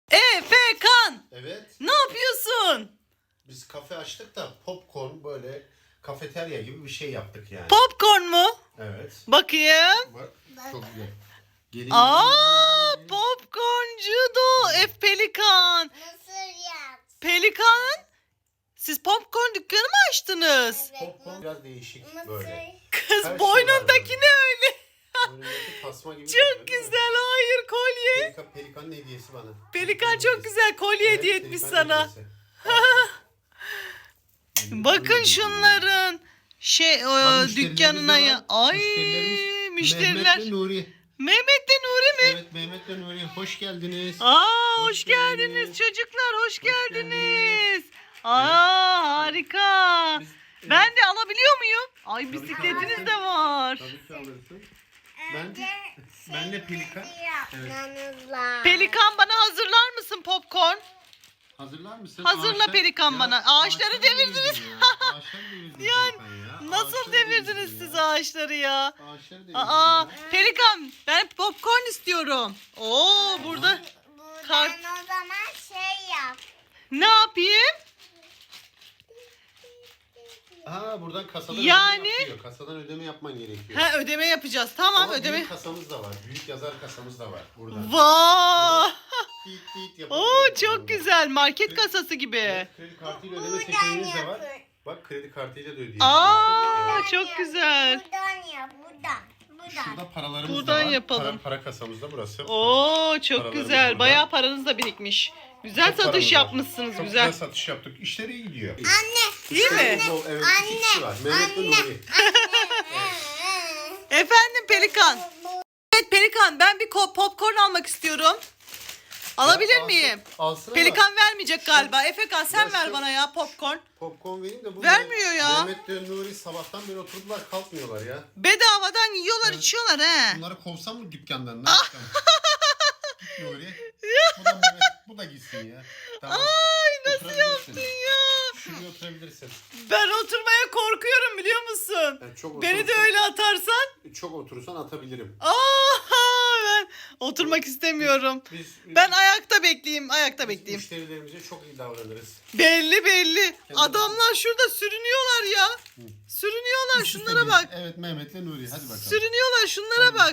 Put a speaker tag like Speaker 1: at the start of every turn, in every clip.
Speaker 1: Efekan,
Speaker 2: Evet.
Speaker 1: ne yapıyorsun?
Speaker 2: Biz kafe açtık da popcorn böyle kafeterya gibi bir şey yaptık yani.
Speaker 1: Popcorn mu?
Speaker 2: Evet.
Speaker 1: Bakayım.
Speaker 2: Bak çok güzel. Gelin.
Speaker 1: Popcorncu da Pelikan.
Speaker 3: Mısır yap.
Speaker 1: Pelikan, siz popcorn dükkanı mı açtınız?
Speaker 2: Popcorn biraz değişik
Speaker 3: Mısır.
Speaker 2: böyle.
Speaker 1: Kız
Speaker 2: Her şey
Speaker 1: boynundaki
Speaker 2: var
Speaker 1: ne öyle?
Speaker 2: Boynundaki tasma gibi.
Speaker 1: Çok güzel, hayır kolye.
Speaker 2: Pelikanın hediyesi bana.
Speaker 1: Pelikan çok güzel kolye hediye etmiş sana. Bakın şunların dükkanına ya. Ay müşteriler.
Speaker 2: Mehmet ve Nuri.
Speaker 1: Mehmet de Nuri mi?
Speaker 2: Evet Mehmet ve Nuri hoş geldiniz.
Speaker 1: Hoş geldiniz çocuklar, hoş geldiniz. Harika. Ben de alabiliyor muyum? Ay bisikletiniz de var.
Speaker 2: Tabii ki alırsın. Ben de Pelikan. Evet.
Speaker 1: Pelikan bana hazırlar mısın popcorn?
Speaker 2: Hazırlar mısın?
Speaker 1: Hazırla Pelikan bana. Ağaçları devirdiniz.
Speaker 2: Ağaçları devirdiniz
Speaker 1: Yani
Speaker 2: Pelikan ya.
Speaker 1: nasıl
Speaker 2: Ağaçları
Speaker 1: devirdiniz siz ağaçları ya?
Speaker 2: Ağaçları devirdiniz
Speaker 1: Aa,
Speaker 2: ya.
Speaker 1: Pelikan ben popcorn istiyorum. Oo burada
Speaker 3: Buradan o zaman şey yap.
Speaker 1: ne yapayım?
Speaker 2: Buradan kasadan
Speaker 1: Yani-
Speaker 2: ödeme yapıyor. Kasadan ödeme yapman gerekiyor.
Speaker 1: Ha ödeme yapacağız. Tamam
Speaker 2: Ama
Speaker 1: ödeme.
Speaker 2: büyük kasamız da var. Büyük yazar kasamız da var burada.
Speaker 1: Vay!
Speaker 2: Tit tit
Speaker 1: Oo
Speaker 2: yapabiliyoruz
Speaker 1: çok
Speaker 2: burada.
Speaker 1: güzel. Market kasası gibi.
Speaker 2: Evet, kredi kartıyla ödeme seçeneğimiz de var. Bak kredi kartıyla da ödeyebiliyorsun.
Speaker 1: Aa çok güzel.
Speaker 3: Buradan yap. Buradan.
Speaker 2: Şurada paralarımız
Speaker 1: Buradan
Speaker 2: da var.
Speaker 1: yapalım.
Speaker 2: Para kasamız da burası.
Speaker 1: Oo çok
Speaker 2: Paralarımız
Speaker 1: güzel.
Speaker 2: burada.
Speaker 1: Bayağı paranız da birikmiş. Güzel
Speaker 2: Çok paramız
Speaker 1: satış
Speaker 2: var.
Speaker 1: yapmışsınız
Speaker 2: Çok
Speaker 1: güzel.
Speaker 2: satış yaptık. İşleri iyi gidiyor.
Speaker 1: Değil mi?
Speaker 2: Evet, iki kişi var. Mehmet ve Nuri.
Speaker 1: Efendim Pelikan. Evet Pelikan ben bir popcorn almak istiyorum. Alabilir miyim?
Speaker 2: Alsın ama
Speaker 1: Pelikan vermeyecek galiba. Efekan sen
Speaker 2: Ya
Speaker 1: ver
Speaker 2: şu-
Speaker 1: bana ya popcorn.
Speaker 2: popcorn vereyim de bu
Speaker 1: Vermiyor ya.
Speaker 2: Mehmet ve Nuri sabahtan beri oturdular kalkmıyorlar ya.
Speaker 1: Bedavadan yiyorlar içiyorlar he.
Speaker 2: Bunları kovsam mı dükkandan? Ne yapacağım? Git Nuri. Bu da Mehmet. Bu da gitsin ya. Tamam.
Speaker 1: Ay nasıl
Speaker 2: Oturabilirsin.
Speaker 1: yaptın ya?
Speaker 2: Şuraya oturabilirsin.
Speaker 1: Ben oturmaya korkuyorum biliyor musun?
Speaker 2: Yani çok
Speaker 1: Beni de
Speaker 2: oturursan-
Speaker 1: öyle atarsan.
Speaker 2: Çok oturursan atabilirim.
Speaker 1: Ben oturmak istemiyorum.
Speaker 2: Biz
Speaker 1: Ben ayakta bekleyeyim, ayakta
Speaker 2: biz
Speaker 1: bekleyeyim.
Speaker 2: müşterilerimize çok iyi davranırız.
Speaker 1: Belli. Adamlar şurada sürünüyorlar ya. Sürünüyorlar şunlara bak.
Speaker 2: Evet Mehmet'le Nuri hadi bakalım.
Speaker 1: Sürünüyorlar şunlara bak.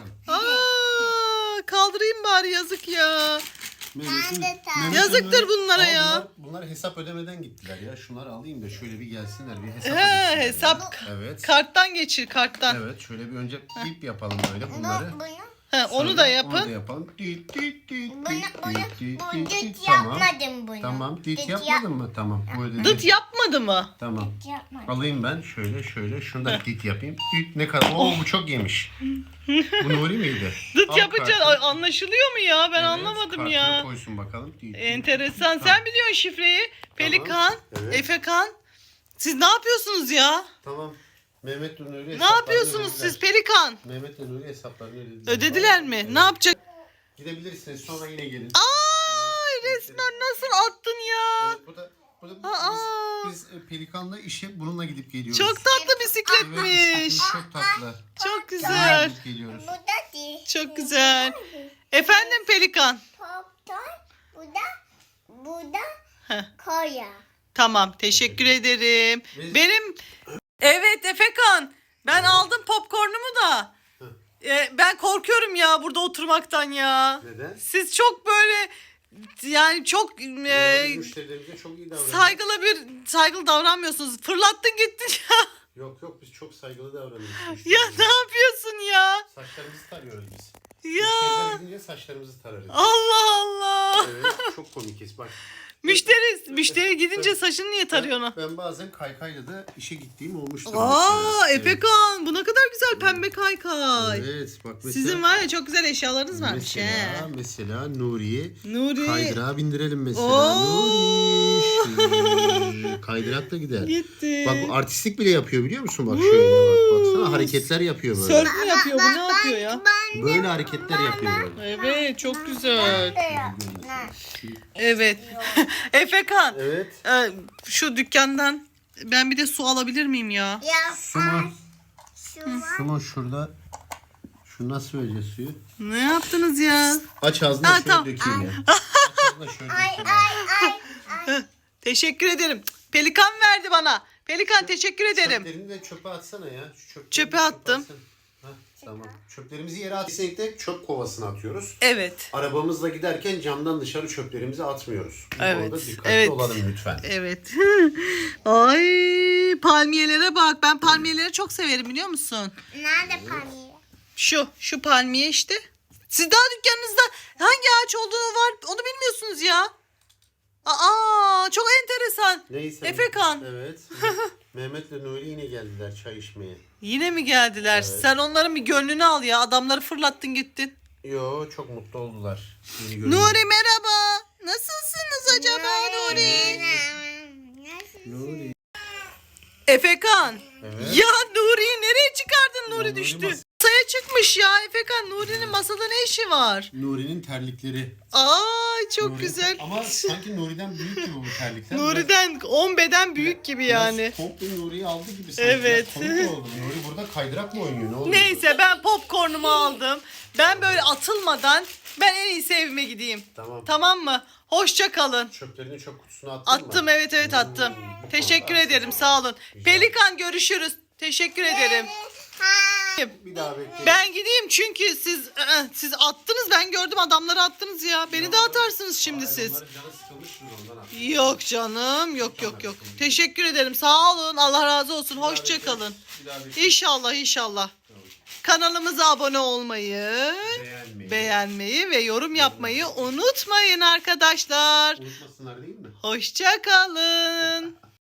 Speaker 1: Kaldırayım bari yazık ya.
Speaker 2: Mehmet'le-
Speaker 3: Ben de tam.
Speaker 2: Mehmet'le
Speaker 1: Yazıktır
Speaker 2: Nuri-
Speaker 1: bunlara
Speaker 2: Ama
Speaker 1: ya.
Speaker 2: Bunlar hesap ödemeden gittiler ya. Şunları alayım da şöyle bir gelsinler bir hesap
Speaker 1: He,
Speaker 2: ödesinler
Speaker 1: hesap
Speaker 2: ya. Evet.
Speaker 1: karttan geçir karttan.
Speaker 2: Evet şöyle bir önce bip yapalım böyle bunları.
Speaker 3: Bunu
Speaker 1: Onu
Speaker 2: Sonra
Speaker 1: da
Speaker 2: Onu da
Speaker 1: yapın.
Speaker 2: yapalım. Dit, dit, dit, dit,
Speaker 3: Bunu
Speaker 2: dit, dit,
Speaker 3: bu
Speaker 2: dit,
Speaker 3: düt
Speaker 2: dit. Tamam.
Speaker 3: yapmadım bunu.
Speaker 2: Tamam. Dit
Speaker 3: Düt
Speaker 2: yapmadın mı? Tamam. Bu ödedi.
Speaker 1: Dıt yapmadı mı?
Speaker 2: Tamam.
Speaker 3: Düt yapmadım.
Speaker 2: Alayım ben şöyle şunu da dit yapayım. Dit ne kadar? Oo bu çok yemiş. Bu Nuri miydi?
Speaker 1: Dıt
Speaker 2: Al
Speaker 1: yapınca
Speaker 2: kartını.
Speaker 1: anlaşılıyor mu ya? Ben
Speaker 2: Evet,
Speaker 1: anlamadım
Speaker 2: kartını
Speaker 1: ya.
Speaker 2: koysun bakalım. Dit, dit.
Speaker 1: Enteresan. Sen biliyorsun şifreyi. Pelikan,
Speaker 2: Evet.
Speaker 1: Efekan. Siz ne yapıyorsunuz ya?
Speaker 2: Tamam. Mehmet ve Nuri
Speaker 1: Ne
Speaker 2: hesaplarını
Speaker 1: yapıyorsunuz
Speaker 2: ödediler.
Speaker 1: siz Pelikan?
Speaker 2: Mehmet ve Nuri hesaplarını ödediler.
Speaker 1: Ödediler mi?
Speaker 2: Evet.
Speaker 1: Ne yapacak?
Speaker 2: Gidebilirsiniz sonra yine gelin.
Speaker 1: Ay resmen nasıl attın ya?
Speaker 2: Evet, bu da
Speaker 1: Aa.
Speaker 2: biz Pelikan'la işe bununla gidip geliyoruz.
Speaker 1: Çok tatlı
Speaker 2: Evet,
Speaker 1: bisikletmiş.
Speaker 2: bisikletimiz çok tatlı.
Speaker 1: Çok güzel.
Speaker 2: Gidip geliyoruz.
Speaker 3: Bu da değil.
Speaker 1: Çok güzel. Efendim Pelikan.
Speaker 3: Popcorn. Bu da
Speaker 1: Heh.
Speaker 3: koya.
Speaker 1: Tamam teşekkür ederim.
Speaker 2: Biz-
Speaker 1: Benim evet Efekan. Ben aldım popcornumu da. Ben korkuyorum ya burada oturmaktan ya.
Speaker 2: Neden?
Speaker 1: Siz çok böyle yani çok
Speaker 2: Biz müşterilerimize çok iyi davranıyoruz.
Speaker 1: saygılı davranmıyorsunuz. Fırlattın gittin ya.
Speaker 2: Yok biz çok saygılı davranıyoruz.
Speaker 1: Ya
Speaker 2: müşterilerimize.
Speaker 1: ne yapıyorsun ya?
Speaker 2: Saçlarımızı tarıyoruz biz.
Speaker 1: Ya
Speaker 2: Müşteriler gidince saçlarımızı tararız.
Speaker 1: Allah Allah.
Speaker 2: Evet çok komikiz bak.
Speaker 1: Müşteri gidince saçını niye tarıyorsun?
Speaker 2: Ben bazen kaykayla da işe gittiğim olmuştur.
Speaker 1: Aa
Speaker 2: mesela.
Speaker 1: Efekan bu ne kadar güzel pembe kaykay.
Speaker 2: Evet bak mesela.
Speaker 1: Sizin var ya çok güzel eşyalarınız varmış he.
Speaker 2: Mesela Nuri'yi
Speaker 1: Nuri
Speaker 2: kaydırağa bindirelim mesela.
Speaker 1: Oo.
Speaker 2: Nuri. Kaydırakla gider.
Speaker 1: gitti.
Speaker 2: Bak bu artistlik bile yapıyor biliyor musun? Bak şöyle bak. Baksana hareketler yapıyor böyle.
Speaker 1: Surf mü yapıyor bu ne yapıyor ya?
Speaker 2: Böyle hareketler yapıyor böyle.
Speaker 1: Evet çok güzel.
Speaker 3: Ne?
Speaker 1: Evet. Efekan
Speaker 2: Evet.
Speaker 1: şu dükkandan ben bir de su alabilir miyim ya?
Speaker 3: Ya
Speaker 2: Sumo.
Speaker 3: şu
Speaker 2: Sumo şurada. Şu nasıl vereceğiz suyu?
Speaker 1: Ne yaptınız ya?
Speaker 2: Aç ağzını
Speaker 1: Ha,
Speaker 2: şöyle
Speaker 1: tamam.
Speaker 2: dökeyim ya. Aç da şöyle
Speaker 3: Ay
Speaker 2: bir
Speaker 3: ay ay.
Speaker 1: Teşekkür ederim. Pelikan verdi bana. Pelikan teşekkür ederim.
Speaker 2: Çöplerini de çöpe atsana ya. Şu çöpleri
Speaker 1: Çöpe
Speaker 2: de
Speaker 1: attım.
Speaker 2: atsana. Hah, tamam. Çöplerimizi yere at. Kesinlikle çöp kovasına atıyoruz.
Speaker 1: Evet.
Speaker 2: Arabamızla giderken camdan dışarı çöplerimizi atmıyoruz. Bu
Speaker 1: Evet,
Speaker 2: konuda dikkatli
Speaker 1: evet.
Speaker 2: olalım lütfen.
Speaker 1: Evet. Ay palmiyelere bak. Ben palmiyeleri çok severim biliyor musun?
Speaker 3: Nerede palmiye?
Speaker 1: Şu palmiye işte. Siz daha dükkanınızda hangi ağaç olduğunu var onu bilmiyorsunuz ya. Aa çok enteresan.
Speaker 2: Neyse.
Speaker 1: Efekan.
Speaker 2: Evet. Mehmet'le Nuri yine geldiler çay içmeye.
Speaker 1: Yine mi geldiler?
Speaker 2: Evet.
Speaker 1: Sen onların bir gönlünü al ya. Adamları fırlattın gittin.
Speaker 2: Yo çok mutlu oldular. Yeni görünce.
Speaker 1: Nuri merhaba. Nasılsınız acaba Nuri?
Speaker 2: Nuri.
Speaker 1: Efekan.
Speaker 2: Evet.
Speaker 1: Ya Nuri'yi nereye çıkardın? Nuri
Speaker 2: Nuri
Speaker 1: düştü.
Speaker 2: mas-
Speaker 1: Masaya çıkmış ya Efekan. Nuri'nin masada ne işi var?
Speaker 2: Nuri'nin terlikleri.
Speaker 1: Ay çok
Speaker 2: Nuri-
Speaker 1: güzel.
Speaker 2: Ama sanki Nuri'den büyük gibi bu terlikler.
Speaker 1: Nuri'den 10 beden büyük gibi yani.
Speaker 2: Biraz komple Nuri'yi aldı gibi sanki.
Speaker 1: Evet.
Speaker 2: Biraz komik oldu. Nuri burada kaydırak mı oynuyor? Ne oluyor?
Speaker 1: Neyse ben popcornumu aldım. Ben böyle atılmadan ben en iyisi evime gideyim.
Speaker 2: Tamam.
Speaker 1: Tamam mı? Hoşça kalın.
Speaker 2: Çöplerini çöp kutusuna attın mı?
Speaker 1: Attım evet attım.
Speaker 2: Bu
Speaker 1: Teşekkür
Speaker 2: konuda
Speaker 1: ederim
Speaker 2: haklısın.
Speaker 1: sağ olun.
Speaker 2: Rica
Speaker 1: Pelikan görüşürüz. Teşekkür ederim.
Speaker 2: Bir daha bekleyin.
Speaker 1: Ben gideyim çünkü siz attınız ben gördüm adamları attınız ya. Beni de atarsınız şimdi
Speaker 2: Hayır,
Speaker 1: siz.
Speaker 2: onların canı sıkılmıştır ondan attı.
Speaker 1: Yok canım yok. Teşekkür ederim sağ olun Allah razı olsun.
Speaker 2: Bir daha
Speaker 1: Hoşça
Speaker 2: bekleyin.
Speaker 1: kalın.
Speaker 2: Bir daha bekleyin.
Speaker 1: İnşallah.
Speaker 2: Tamam.
Speaker 1: Kanalımıza abone olmayı, beğenmeyi ve yorum yapmayı unutmayın arkadaşlar.
Speaker 2: Unutmasınlar değil mi?
Speaker 1: Hoşça kalın.